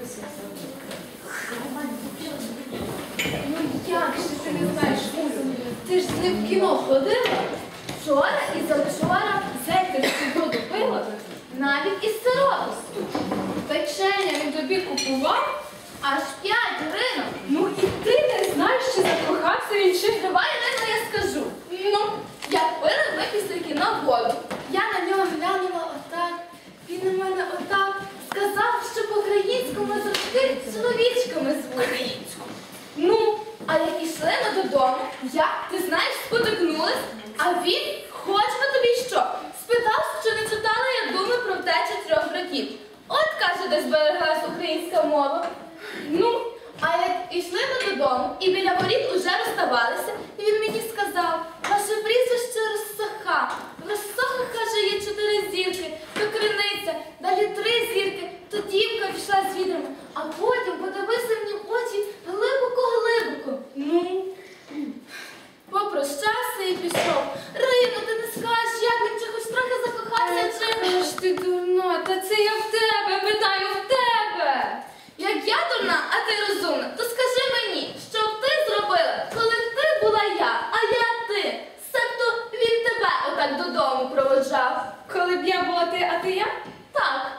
Ну як же ти не знаєш музику? Ти ж з ним в кіно ходила? Вчора і завчора зельтерську воду пила, навіть із сиропосту. Печення він тобі купував аж 5 гривень. Ну і ти не знаєш, що закохався він чи? Давай, Ірина, я скажу. Ну, як пили ми після кіно воду. Я на нього глянула отак, він на мене отак сказав, що по-українському завжди чоловічками звуть. Ну, а як ішли ми додому, я, ти знаєш, спотикнулась, а він, хоч би тобі що, спитав, чи не читала я думи про втечу 3 братів. От, каже, де збереглась українська мова. Ну, а як ішли ми додому і біля воріт уже розставалися, і він мені сказав, ваше прізвище Росоха. В Росохах, каже, є 4 зірки, то криниця, далі 3 зірки, то дівка пішла з відрами, а потім подивився мені в очі глибоко-глибоко. Ну, попрощався і пішов. Рино, ти не скажеш, як він чи хоч трохи закохався, чи... Аж ти дурна, та це я в тебе, питаю в тебе. Як я дурна, а ти розумна, то скажи мені, що б ти зробила, коли б ти була я, а я ти? Себто він тебе отак додому проводжав. Коли б я була ти, а ти я? Так.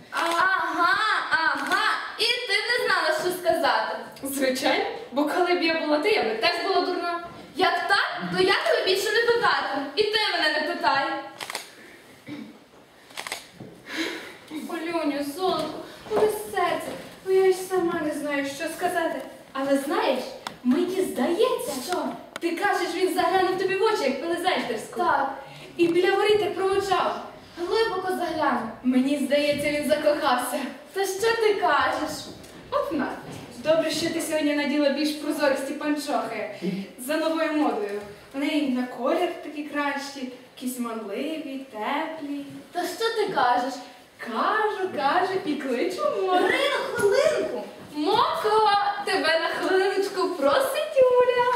Ага, і ти не знала, що сказати. Звичайно, бо коли б я була ти, я би теж була дурна. Як так, то я тебе більше не питатиму, і ти мене не питай. Олюню, золотко, буде серце, бо я й сама не знаю, що сказати. Але знаєш, мені здається, Що? ти кажеш, він заглянув тобі в очі, як пили зельтерську. Так, І біля воріт як проводжав. глибоко загляну. Мені здається, він закохався. Та що ти кажеш? От на. Добре, що ти сьогодні наділа більш прозористі панчохи за новою модою. Вони і на колір такі кращі, якісь манливі, теплі. Та що ти кажеш? Кажу, і кличу море. Ірина, хвилинку. Моко, тебе на хвилиночку просить Юля.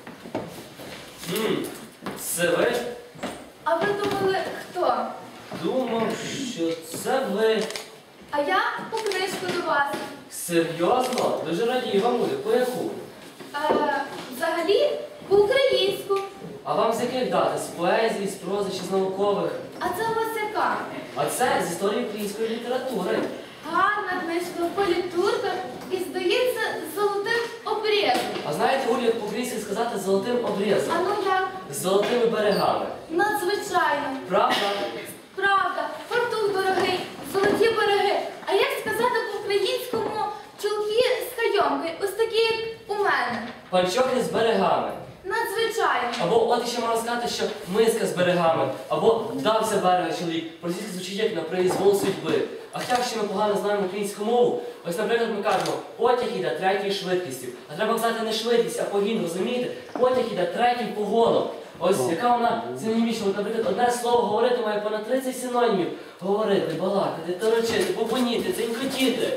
Це ви? А ви думали, хто? Думав, що це ви. А я по книжку до вас. Серйозно? Дуже радію вам буде. По яку? Взагалі, по-українську. А вам з яких дати? З поезії, з прози чи з наукових? А це у вас яка? А це з історії української літератури. Гарна книжка, політурка і, здається, з золотим обрізом. А знаєте, Олю, як по-українськи сказати з золотим обрізом? А ну як? З золотими берегами. Надзвичайно. Правда? Правда, фартух дорогий, золоті береги. А як сказати по-українському чулки з кайомкою, ось такі, як у мене? Панчохи з берегами. Надзвичайно. Або от ще можна сказати, що миска з берегами. Або вдався берега чоловік. Російське звучить як на произвол судьби. А хоча ще ми погано знаємо українську мову, ось, наприклад, ми кажемо, потяг іде 3-ю швидкістю. А треба казати не швидкість, а погін, розумієте? Потяг іде 3-м погоном. Ось яка вона синонімічна. От, наприклад, одне слово говорити має понад 30 синонімів. Говорити, балакати, торочити, бубоніти, дзенькотіти.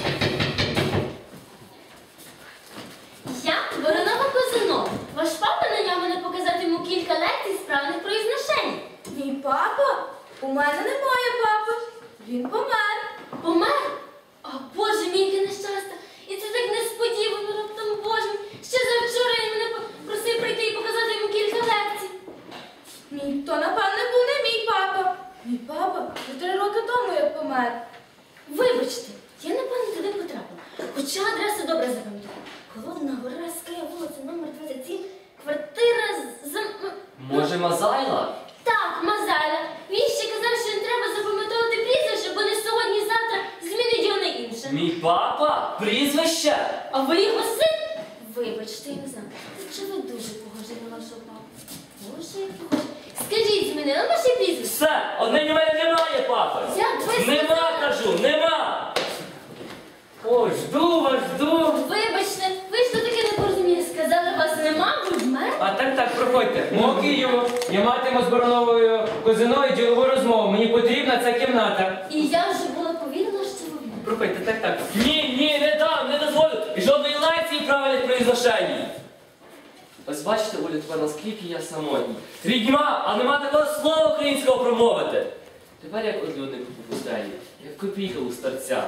Я Воронова Козино. Ваш папа наняв мене показати йому кілька лекцій справних произношень. Мій папа? У мене немає папи. Він помер. Помер? О, Боже мій, яке нещастя! І це так несподівано, раптом, Боже мій. Ще завчора він мене просив прийти і показати йому кілька лекцій. То, напевне, був не мій папа. Мій папа вже 3 роки тому як помер. Вибачте, я напевно туди потрапила. Хоча адресу добре запам'ятала. Холодна гора, Ская, вулиця, номер 27, квартира за... Може, Мазайла? Так, Мазайла. Він ще казав, що не треба запам'ятовувати прізвище, бо не сьогодні-завтра змінить його на інше. Мій папа? Прізвище? А ви його син? Вибачте, я не знаю. Чи ви дуже похожі на вашого папу? Боже, як похожі. Скажіть, змінили ваше прізвище? Все, одне у мене немає папи. Як ви Нема, сказали? кажу, нема. Ой, жду вас, жду. Вибачте, ви ж то таке непорозуміння. Сказали, вас нема, ви вмер? А так, проходьте. Мого Києву, я матиму з Вороновою Козиною ділову розмову. Мені потрібна ця кімната. І я вже була повірила, що ви вмер. Проходьте, так. Ні, не дам, не дозволю. І жодної лекції правильних произношень. Ось бачите, Оля, тепер наскільки я самотній. Рідьма, а нема такого слова українського промовити. Тепер як одлюдник у пустелі, як копійка у старця.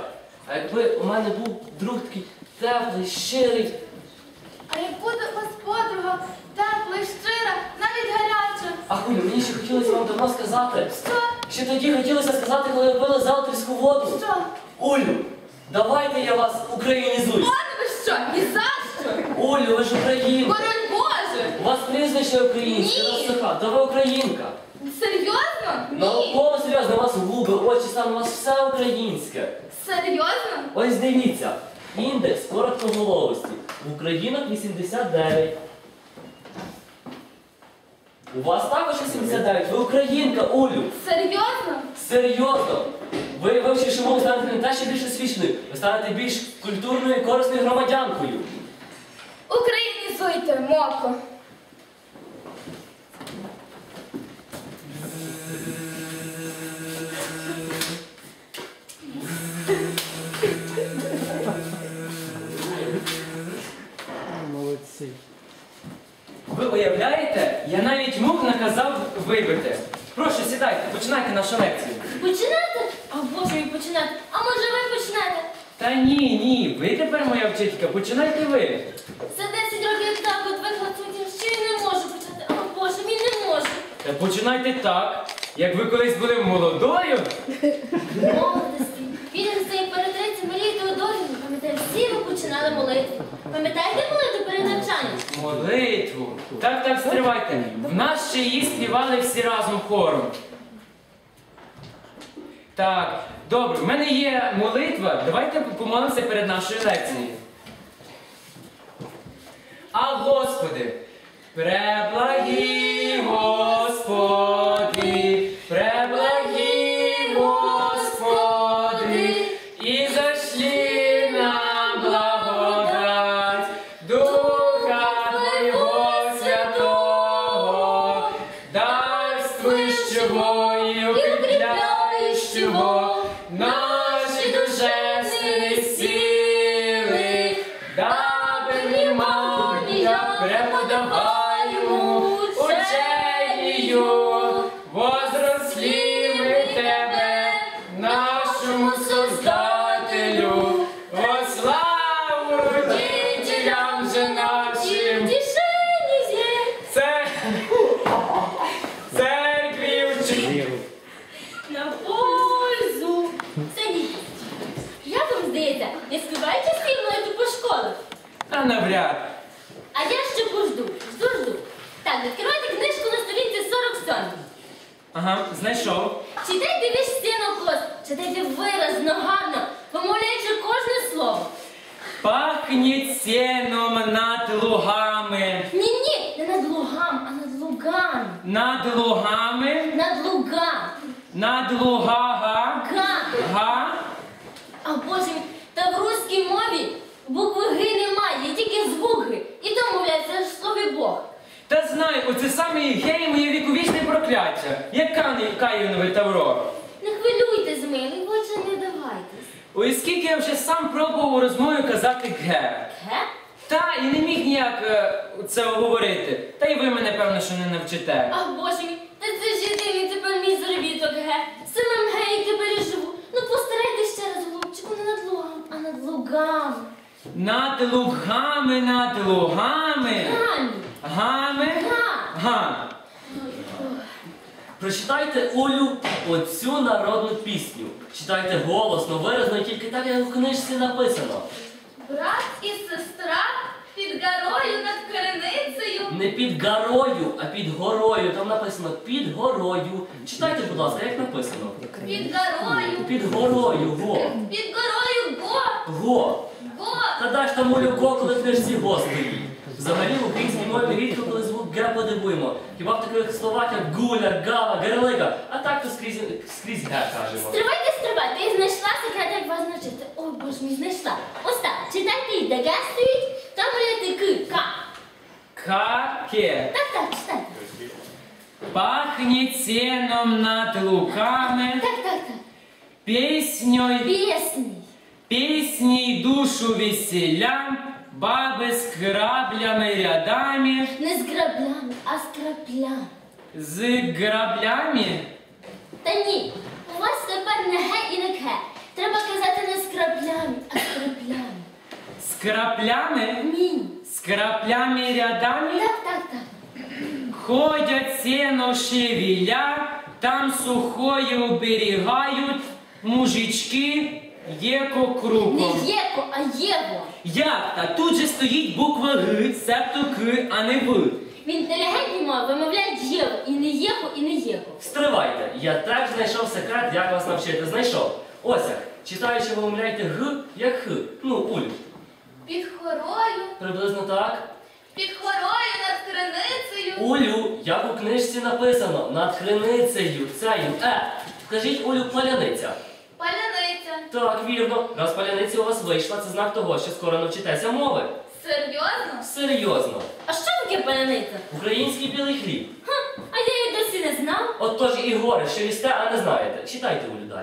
А якби у мене був друг такий теплий, щирий. А як буде у вас подруга, тепла, і щира, навіть гаряча. А Улю, мені ще хотілося вам давно сказати. Що? Ще тоді хотілося сказати, коли ви пили зелтерську воду. Що? Улю, давайте я вас українізую. Пане ви що? Ні за що? Улю, ви ж українка. Боронь Боже! У вас прізвище українське, Ні. Росиха, та ви українка. Серйозно? Ні. Науково серйозно, у вас губи, очі, саме у вас все українське. Серйозно? Ось дивіться, індекс короткоголовості. В Українах 89. У вас також 89, ви українка, Улю. Серйозно? Серйозно. Ви вивчивши мову станете не те, що більш освіченою, ви станете більш культурною і корисною громадянкою. Українізуйте, моко. Ви уявляєте, я навіть мух наказав вибити. Прошу, сідайте, починайте нашу лекцію. Починати? А Боже мій, починати. А може ви почнете? Та ні, ви тепер моя вчителька, починайте ви. За 10 років так от вихлопнути, що я не можу почати. А Боже мій, не можу. Та починайте так, як ви колись були молодою. Молодості. Відомство імператриці Марії Теодорівни, пам'ятаю, всі ви починали молитву. Пам'ятаєте молитву перед навчанням? Молитву. Так, стривайте. В нас ще її співали всі разом хором. Так, добре, в мене є молитва. Давайте помолимося перед нашою лекцією. А Господи, преблагий Господи, преблагий Господи, і зашли нам благодать Духа Твоего Святого, дарствующего и укрепляющего наши душевные силы, дабы внимание преподаваемому учению возросли мы в Тебе, нашему Создателю, во славу родителям же нашим, церкві вчителю. На пользу. Садіть. Як вам здається, не співають часті молитву по школах? Та навряд. А я ще пожду. Жду. Так, відкривайте книжку на сторінці 47. Ага, знайшов. Читайте весь стінокос, читайте виразно, гарно, вимовляючи кожне слово. Пахніть сеном над лугами. Ні, не над лугам, а над лугами. Над лугами. Над лугам. Над лугага. Га. А Боже мій, та в руській мові букви Г немає, є тільки звук Г. І то мовляється аж в слові Бог. Та знаю, оце саме гей моє віковічне прокляття. Як Каїнове Тавро. Не хвилюйтесь, милий, отже не давайтесь. Ой, скільки я вже сам пробував у розмові казати ге. Ге? Та, і не міг ніяк це говорити. Та й ви мене, певно, що не навчите. Ах, Боже мій, та це ж єдиний тепер мій заробіток, ге. Самим ге, як тепер і живу. Ну постарайтесь ще раз, голубчику, не над лугом, а над лугами. Над лугами, над лугами. Гамі. Гами. Га. Прочитайте, Улю, оцю народну пісню. Читайте голосно, виразно, і тільки так, як у книжці написано. Брат і сестра під горою над криницею. Не під горою, а під горою. Там написано під горою. Читайте, будь ласка, як написано. Під горою. Під горою, го. Під горою го. Го. Го. Та даш там Улю го, коли в книжці го стоїть. Взагалі в українській мові рідко коли звук ге подивуємо. Хіба в таких словах, як гуля, гава, герлига, а так то скрізь ге кажемо. Стривайте, я знайшла секрет, як вас навчити. Ой, Боже мій, знайшла. Ось так, читайте і де ге стоїть, там говорите к, ка. Каке. Так, читайте. Пахнет сеном над луками, Так. песней, Пісний. душу веселя, баби с граблями рядами, Не з граблями, а з краплями. з граблями. Та ні, у вас тепер не ге і не ке. Треба казати не з краплями, З краплями? Ні. З краплями рядами? Так. Ходять сено шевеля, там сухое уберігають мужички єко Не кругом. Єко, а Єво. Як? Та тут же стоїть буква Г, себто К, а не В. В інтелігентній мові вимовляють Єво. І не Єхо, і не Єко. Стривайте, я теж знайшов секрет, як вас навчити. Знайшов. Ось як. Читаючи, ви вимовляєте Г, як Х. Ну, Улю. Під хорою, Приблизно так. під хорою над криницею. Улю, як у книжці написано, над криницею, цею, Скажіть, Улю, паляниця. Паляниця. Так, вірно. Раз паляниця у вас вийшла, це знак того, що скоро навчитеся мови. Серйозно? Серйозно. А що таке паляниця? Український білий хліб. А я її досі не знав. Отож і горе, що їсте, а не знаєте. Читайте, Улю, далі.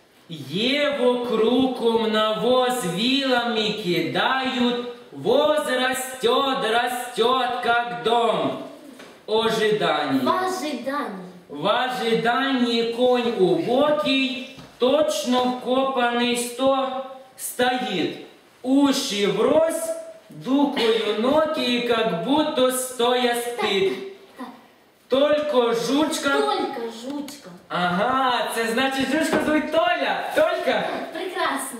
Ево кругом навоз вилами кидают, воз растет, как дом. Ожидание. В ожиданні. В ожидании конь убокий, точно вкопанный стоит. Уши врозь, дукою ноги, как будто стоя спит. Только жучка... Толька, жучка. Ага, це значить жучка звуть Толя. Толька. Прекрасно.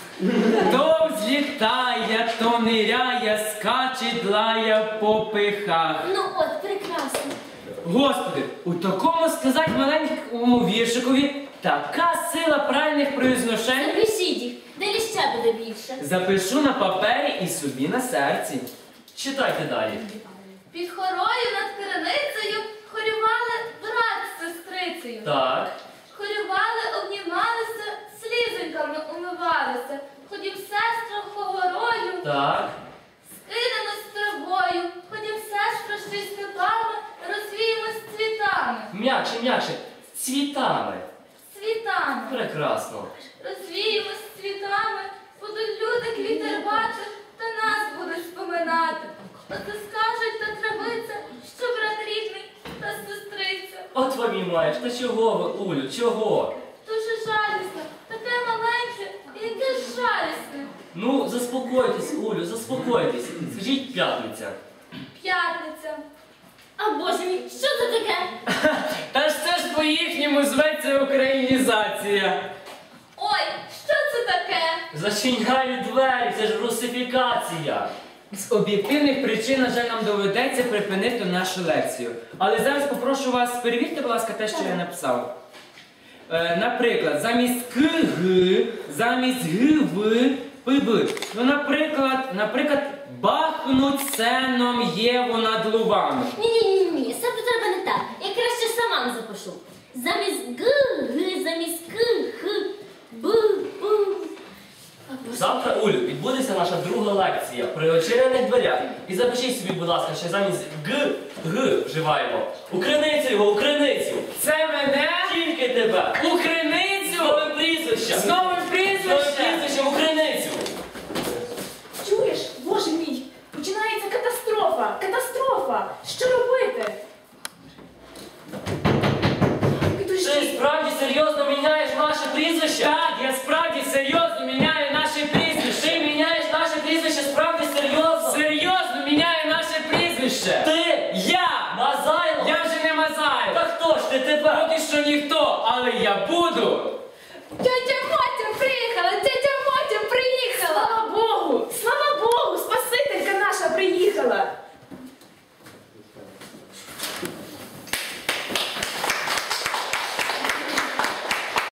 То взлітає, то ниряє, скаче, длає по пихах. Ну от, прекрасно. Господи, у такому сказати маленькому віршикові така сила правильних произношень. Запишіть їх, далі ще буде більше. Запишу на папері і собі на серці. Читайте далі. Під хорою над криницею хорювали брат з сестрицею. Так. Хорювали, обнімалися, слізоньками умивалися. Ходім, сестра, хогорою, Так. скинемось травою. Ходім, сестра, ще й степами, розвіємось цвітами. М'якше. Цвітами. Цвітами. Прекрасно. Розвіємось цвітами, будуть люди квіти рвати, та нас будуть споминати. Оце скажуть та травиця, що брат рідний та сестриця. От вам і маєш. Та чого ви, Улю, чого? Дуже жалісно, таке маленьке і яке ж жалісне. Ну, заспокойтесь, Улю, заспокойтесь. Скажіть п'ятниця. П'ятниця. А боже мій, що це таке? Та ж це ж по-їхньому зветься українізація. Ой, що це таке? Зачиняю двері, це ж русифікація. З об'єктивних причин, на жаль, нам доведеться припинити нашу лекцію. Але зараз попрошу вас, перевірте, будь ласка, те, що я написав. Наприклад, замість КГ, замість ГВ, ПБ. Ну, наприклад, бахнуть сеном Єву над лувами. Ні, це треба не так. Я краще сама запишу. Замість Г, замість К, Х, Б, Б. А, боже. Завтра, Улю, відбудеться наша друга лекція при очинених дверях. І запишіть собі, будь ласка, що замість Г вживаємо. У криницю його, у криницю. Це мене? Тільки тебе. У криницю? З новим прізвищем. З новим З новим прізвищем? прізвищем у криницю. Чуєш, боже мій, починається катастрофа. Катастрофа. Що робити? Ти Підожди. справді серйозно міняєш наше прізвище? Так, я справді серйозно міняю наше прізвище. Ти міняєш наше прізвище справді серйозно? Серйозно міняю наше прізвище. Ти! Я! Мазайло! Я вже не Мазаєв. Та хто ж ти тепер? Поки що ніхто, але я буду.